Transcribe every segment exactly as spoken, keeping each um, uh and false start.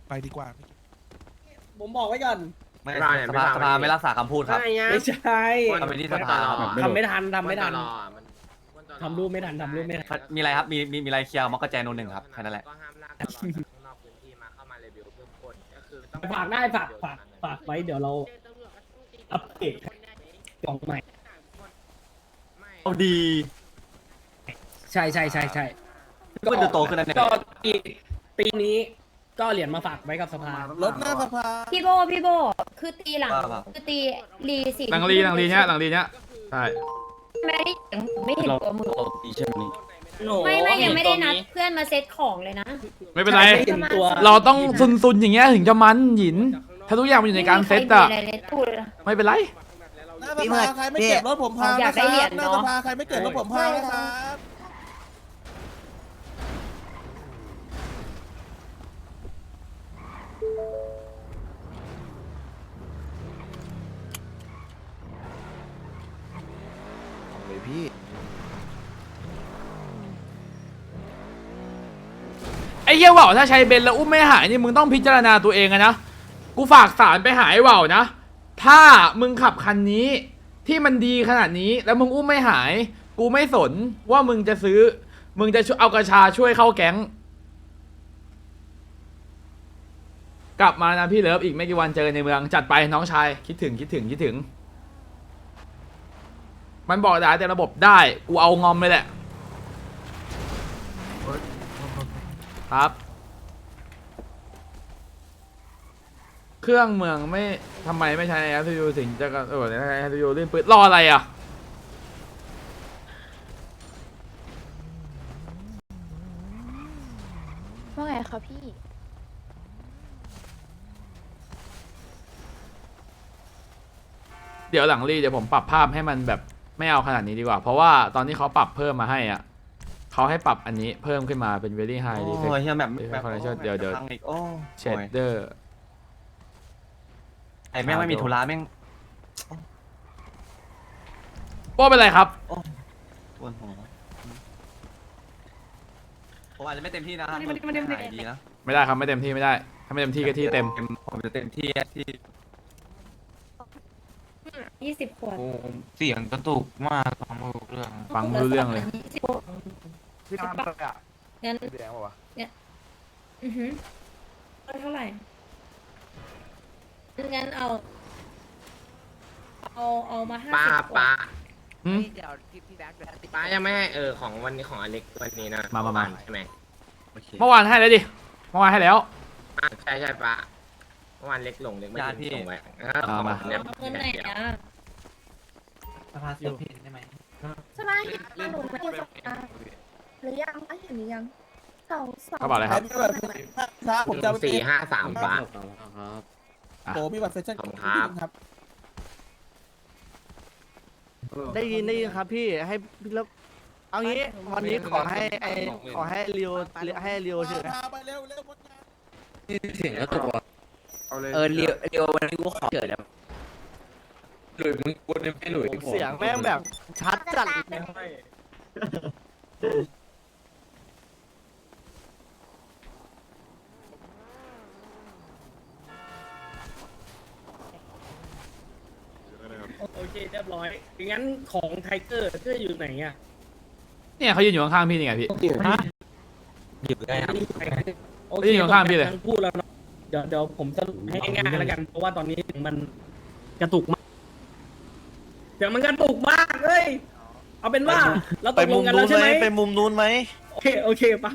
ไปดีกว่าผมบอกไว้ก่อนไม่สภาสภาไม่รักษาคำพูดครับไม่ใช่ทำไปที่สภาทำไม่ทันทำไม่ทันทำรูปไม่ทันทำรูปไม่ทันมีอะไรครับมีมีมีอะไรเคลียร์มอกกระแจโนหนึ่งครับแค่นั้นแหละก็ห้ามลากตลอดจากข้างนอกพื้นที่มาเข้ามาเรวิวเพิ่มคนก็คือต้องฝากได้ฝากฝากฝากไว้เดี๋ยวเราอัปเดตกล่องใหม่เอาดีใช่ใช่ใช่ใช่ก็เป็นโตขึ้นแล้วเนี่ยก็ปีปีนี้ก็เหรียญมาฝากไว้กับสภารถหน้าสภาพี่โบพี่โบคือตีหลังคือตีรีสี่หลังรีหลังรีเนี้ยหลังรีเนี้ยใช่ไม่ได้เห็นไม่เห็นตัวมือดีใช่ไหมไม่ไม่ยังไม่ได้นัดเพื่อนมาเซตของเลยนะไม่เป็นไรไม่เห็นตัวเราต้องซุนซุนๆอย่างเงี้ยถึงจะมันหยิน ถ้าทุกอย่างมันอยู่ในการเซตอะไม่มีใครมีอะไรเลยพูดเลยไม่เป็นไรหน้าสภาใครไม่เก็บรถผมพังอยานะกคได้รับเหรียญหน้าเนอะสภาใครไม่เก็บรถผมพังนะครับเลยพี่ไอ้เหี้ยว่าวถ้าใช้เบนซ์แล้วอุ้มไม่หายนี่มึงต้องพิจารณาตัวเองอะนะ กูฝากสารไปหายว่าวนะ ถ้ามึงขับคันนี้ที่มันดีขนาดนี้แล้วมึงอุ้มไม่หาย กูไม่สนว่ามึงจะซื้อ มึงจะช่วยเอากระชาช่วยเข้าแก๊ง กลับมานะพี่เลิฟอีกไม่กี่วันเจอกันในเมืองจัดไปน้องชายคิดถึงคิดถึงคิดถึง มันบอกได้แต่ระบบได้กูเอางอมเลยแหละครับ เครื่องเมืองไม่ทำไมไม่ใช้ในแอปยูถึงจะเออในแอปยูลื่นปืนรออะไรอ่ะว่าไงคะพี่เดี๋ยวหลังรีเดี๋ยวผมปรับภาพให้มันแบบไม่เอาขนาดนี้ดีกว่า เพราะว่าตอนที่เขาปรับเพิ่มมาให้อ่ะเขาให้ปรับอันนี้เพิ่มขึ้นมาเป็น very high โอ้ defect ยเฮียแบบแบบ Correction เดี๋ยวเดี๋ยวพังอีกโอ้ shader ไอ้แม่งไม่มีธุระแม่งโป้เป็นไรครับปวดหัวผมอาจจะไม่เต็มที่นะไม่ได้ไม่ได้ไม่ได้หายดีนะไม่ได้ครับไม่เต็มที่ไม่ได้ ถ้าไม่เต็มที่ก็ที่เต็มผมจะเต็มที่ที่ยี่สิบขวดเสียงกระตุกมากฟังไม่รู้เรื่องฟังไม่รู้เรื่องเลยยี่สิบพี่ทำอะไรอ่ะงั้นแดงป่าวะอือหือเท่าไหร่งั้นเอา เอาเอามาห้าป้าสิบขวดป้าหืมป้ายังไม่ให้เออของวันนี้ของอเล็กวันนี้นะมามามาใช่ไหมเมื่อวานให้แล้วดิ เมื่อวานให้แล้วอ่ะใช่ใช่ป้าเมื่อวานเล็กลงเล็กไม่ได้ส่งไว้เออเอามาของเนี่ยเอาเงินไหนนะสภาเสียงผิดได้ไหมสบายเห็นขนมไหมสบายหรือยังอ่ะเห็นหรือยังสองสองกระเป๋าอะไรครับมีบัตรครับผมจะเอาไปสี่ห้าสามป้าโอ้มีบัตรแฟชั่นขอบคุณครับครับได้ยินได้ยินครับพี่ให้พี่แล้วเอางี้วันนี้ขอให้ไอขอให้เรียวให้เรียวเฉยพาไปเร็วเร็วหมดงานเสียงกระตุกว่ะเออเรียวเดียววันนี้กูขอเกิดแล้วหลุยมึงกูไม่หลุยเสียงแม่งแบบชัดจัดเลยโอเคเรียบร้อยงั้นของไทเกอร์เกอร์อยู่ไหนอ่ะเนี่ยเขายืนอยู่ข้างๆพี่นี่ไงพี่หยิบได้ครับโอเคนี่อยู่ข้างๆพี่เลยทั้งพูดแล้วเนาะเดี๋ยวเดี๋ยวผมสรุปให้ง่ายๆแล้วกันเพราะว่าตอนนี้มันกระตุกมากเดี๋ยวมันกระตุกมากเอ้ยเอาเป็นว่าเราตกลงกันแล้วใช่ไหมไปมุมนู้นไหมโอเคโอเคปะ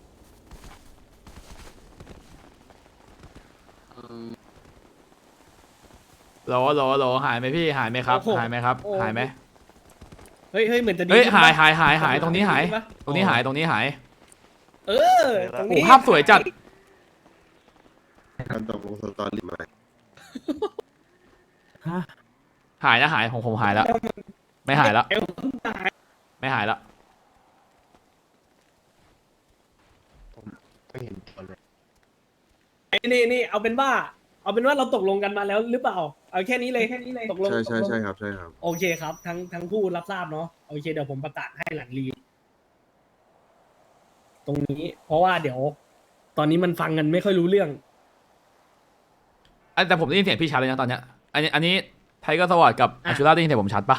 โหลโหลโหลหายไหมพี่หายไหมครับ หายไหมครับ หายไหมเฮ้ยเฮ้ยเหมือนจะดีเฮ้ยขึ้นหายปะหายหายหายตรงนี้หายปะตรงนี้หายตรงนี้หายเออตรงโอ้นี้ภาพสวยจัดการตกลงสตอรี่ใหม่หายนะหายของผมหายแล้ว ไม่หายแล้วเอวตายไม่หายแล้วก็เห็นตัวเลยไอ้นี่นี่เอาเป็นว่า เอาเป็นว่าเราตกลงกันมาแล้วหรือเปล่าเอาแค่นี้เลยแค่นี้เลยตกลงใช่ใช่ตกลงใช่ครับใช่ครับโอเคครับ ทั้งทั้งผู้รับทราบเนาะโอเคเดี๋ยวผมประกาศให้หลังรีตรงนี้ เพราะว่าเดี๋ยว ตอนนี้มันฟังกันไม่ค่อยรู้เรื่องอันแต่ผมได้ยินเสียงพี่ชัดเลยนะตอนเนี้ยอันนี้อันนี้ไทเกอร์สวอตกับอาชูราได้ยินเสียงผมชัดปะ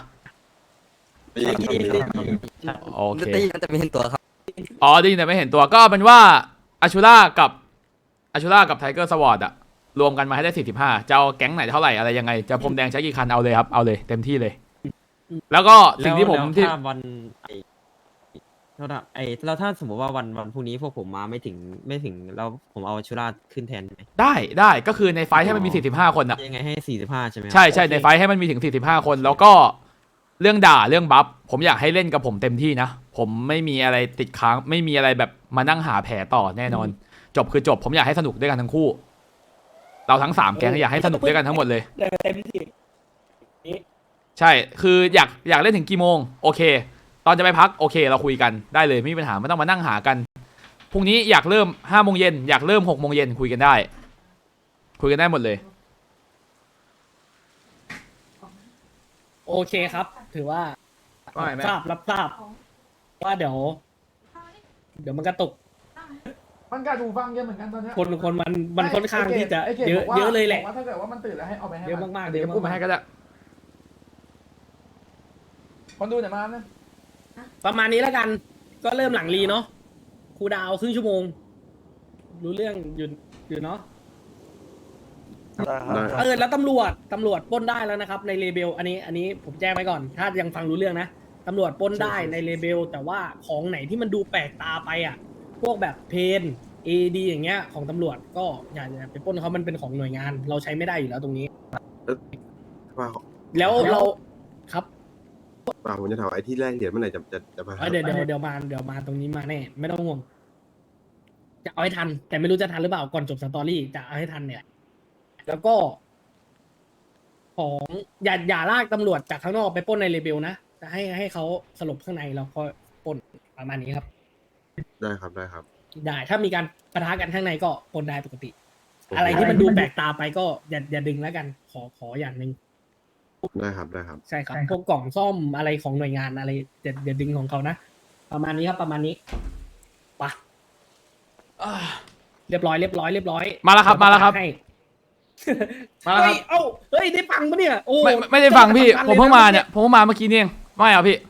โอเคได้ยินแต่ไม่เห็นตัวครับอ๋อได้ยินแต่ไม่เห็นตัวก็เป็นว่าอาชูรากับอาชูรากับไทเกอร์สวอตอะรวมกันมาให้ได้สี่สิบห้าจะเอาแก๊งไหนเท่าไหร่อะไรยังไงจะพรมแดงใช้กี่คันเอาเลยครับเอาเลยเต็มที่เลย แล้วก็สิ่งที่ผมที่แล้วถ้าวันไอ้เท่าไหร่ไอ้แล้วถ้าสมมติว่าวันวันพรุ่งนี้พวกผมมาไม่ถึงไม่ถึงแล้วผมเอาชุราขึ้นแทนได้ไหมได้ได้ก็คือในไฟท์ให้มันมีสี่สิบห้าคนอะยังไงให้สี่สิบห้าใช่ไหมครับใช่ใช่ในไฟท์ให้มันมีถึงสี่สิบห้าคน แล้วก็เรื่องด่าเรื่องบัฟผมอยากให้เล่นกับผมเต็มที่นะผมไม่มีอะไรติดค้างไม่มีอะไรแบบมานั่งหาแผลต่อแน่นอน จบคือจบผมอยากให้สนุกด้วยกันทั้งคู่ เราทั้งสามแก๊งอยากให้สนุกด้วยกันทั้งหมดเลยเต็มที่ใช่คืออยากอยากเล่นถึงกี่โมงโอเค ตอนจะไปพักโอเค เราคุยกันได้เลยไม่มีปัญหาไม่ต้องมานั่งหากันพรุ่งนี้อยากเริ่มห้าโมงเย็นอยากเริ่มหกโมงเย็นคุยกันได้ คุยกันได้หมดเลยโอเคครับ ถือว่าว่าไงแม่ทราบรับทราบว่าเดี๋ยว เดี๋ยวมันกระตุกมันการดูฟังเยอะเหมือนกันตอนนี้คนคนมันมันค่อนข้างที่จะเยอะเยอะเลยแหละถ้าเกิดว่ามันตื่นแล้วให้เอาไปให้เยอะมากๆเดี๋ยวเยอะมากๆพูดมาให้ก็ได้คนดูหน่อยมานะประมาณนี้แล้วกัน ก็เริ่มหลังรีเนาะครูดาวครึ่งชั่วโมง รู้เรื่องอยู่อยู่เนาะเออแล้วตำรวจตำรวจปล้นได้แล้วนะครับ ในเลเบลอันนี้ อันนี้ผมแจ้งไว้ก่อน ถ้ายังฟังรู้เรื่องนะตำรวจปล้นได้ในเลเบลแต่ว่าของไหนที่มันดูแปลกตาไปอ่ะ พวกแบบเพนเอดีอย่างเงี้ยของตำรวจก็อย่าอย่าไปปล้นเขามันเป็นของหน่วยงาน เราใช้ไม่ได้อยู่แล้วตรงนี้ว่าแล้วเราครับว่าผมจะถามไอ้ที่แรกเหรียญเมื่อไหร่จะจะจะมาเอ้ยเดี๋ยวเดี๋ยวเดี๋ยวมาเดี๋ยวมาตรงนี้มาแน่ไม่ต้องห่วง จะเอาให้ทัน แต่ไม่รู้จะทันหรือเปล่าก่อนจบสตอรี่จะเอาให้ทันเนี่ย แล้วก็ ของอย่าอย่าลากตำรวจจากข้างนอกไปปล้นในเลเบลนะจะให้ให้เขาสลบข้างในแล้วก็ปล้นประมาณนี้ครับได้ครับได้ครับได้ถ้ามีการปะทะกันข้างในก็ปล้นได้ปกติ อะไรที่มันดูแปลกตาไปก็อย่าอย่าดึงแล้วกัน ขอขออย่างหนึ่งได้ครับได้ครับใช่ครับพวกกล่องซ่อมอะไรของหน่วยงานอะไรอย่าอย่าดึงของเขานะประมาณนี้ครับประมาณนี้ไปะเรียบร้อยเรียบร้อยเรียบร้อยมาแล้วครับมาแล้วครับให้มาแล้วครับเฮ้ยเอ้าเฮ้ยได้ฟังปะเนี่ยโอ้ไม่ไม่ไม่ได้ฟังพี่ผมเพิ่งมาเนี่ยผมเพิ่งมาเมื่อกี้นี่เองไม่เอาพี่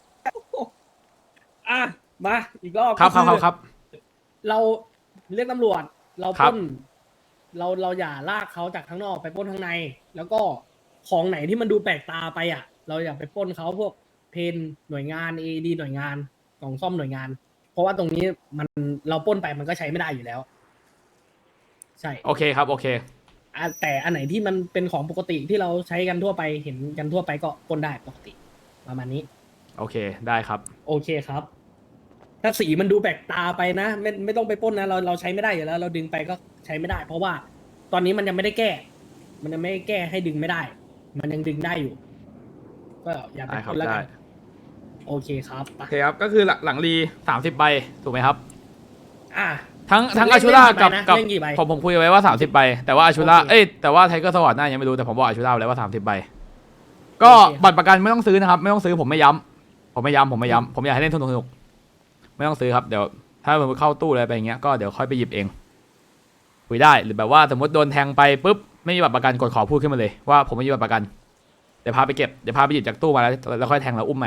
อ่ะมาอีกรอบครับครับครับก็อครับเราเรียกตำรวจ เราครัปบล้น เราเราอย่าลากเขาจากข้างนอกไปปล้นข้างใน แล้วก็ของไหนที่มันดูแปลกตาไปอ่ะ เราอย่าไปปล้นเขาพวกเพนหน่วยงานเอดีหน่วยงานกล่องซ่อมหน่วยงาน เพราะว่าตรงนี้มันเราปล้นไปมันก็ใช้ไม่ได้อยู่แล้ว ใช่โอเคครับโอเคอ่ะแต่อันไหนที่มันเป็นของปกติที่เราใช้กันทั่วไปเห็นกันทั่วไปก็ปล้นได้ปกติ ประมาณนี้โอเคได้ครับโอเคครับ ถ้าสีมันดูแปลกตาไปนะไม่ไม่ต้องไปปล้นนะเราเราใช้ไม่ได้อยู่แล้ว เราดึงไปก็ใช้ไม่ได้ เพราะว่าตอนนี้มันยังไม่ได้แก้ มันยังไม่ได้แก้ให้ดึงไม่ได้ มันยังดึงได้อยู่ ก็อย่าไปได้คปรับล้นแล้วได้กันโอเคครับไปโอเคครับก็คือหลังหลังรีสามสิบใบถูกไหมครับอ่ะทั้งทั้งเล่อาน ชูราเล่นกี่กับใบนะกับเล่นกี่ใบผมผมคุยไว้ว่าสามสิบใบแต่ว่าอาชูราโอเคเอ้ยแต่ว่าไทเกอร์สวอตน่ายังไม่รู้แต่ผมบอกอาชูราไว้แล้วว่าสามสิบใบก็โอเคครับบัตรประกันไม่ต้องซื้อนะครับ ไม่ต้องซื้อผมไม่ย้ำผมไม่ย้ำผมไม่ย้ำผมอยากให้เล่นสนุกสนุกไม่ต้องซื้อครับเดี๋ยวถ้ามันเข้าตู้อะไรไปอย่างเงี้ยก็เดี๋ยวค่อยไปหยิบเองคุยได้หรือแบบว่าสมมติโดนแทงไปปุ๊บไม่มีบัตรประกันกดขอพูดขึ้นมาเลยว่าผมไม่มีบัตรประกันเดี๋ยวพาไปเก็บเดี๋ยวพาไปหยิบจากตู้มาแล้วแล้วค่อยแทงแล้วอุ้มใหม่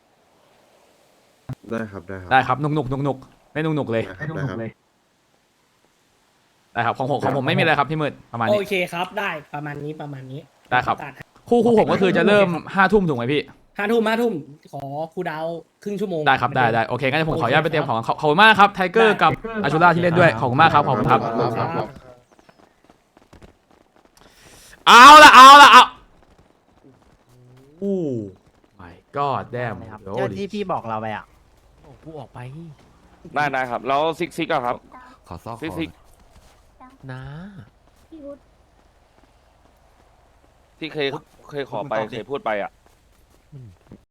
ได้ครับได้ครับได้ครับนุกนุกนุกนุกไม่นุกนุกเลยได้ครับได้ครับได้ครับของผมของผมไม่มีอะไรครับพี่มืดประมาณโอนี้เคครับ ได้ประมาณนี้ประมาณนี้ได้ครับประกาศให้คู่คู่ผมก็คือจะเริ่มห้าทุ่มถูกไหมพี่ห้าทุ่มห้าทุ่มขอครูดาวครึ่งชั่วโมงได้ครับได้ได้โอเคงั้นผมขออนุญาตไปเตรียมของขอบขอบคุณมากครับไทเกอร์กับอาชูราที่เล่นด้วยขอบคุณมากครับขอบคุณครับครับเอาละเอาละเอาอู้ my god damn เจ้าที่พี่บอกเราไปอ่ะกูออกไปได้ได้ครับ แล้วซิกซิกอะครับขอซอกซิกซิกนะพี่วุฒิที่เคยเคยขอไปเคยพูดไปอะ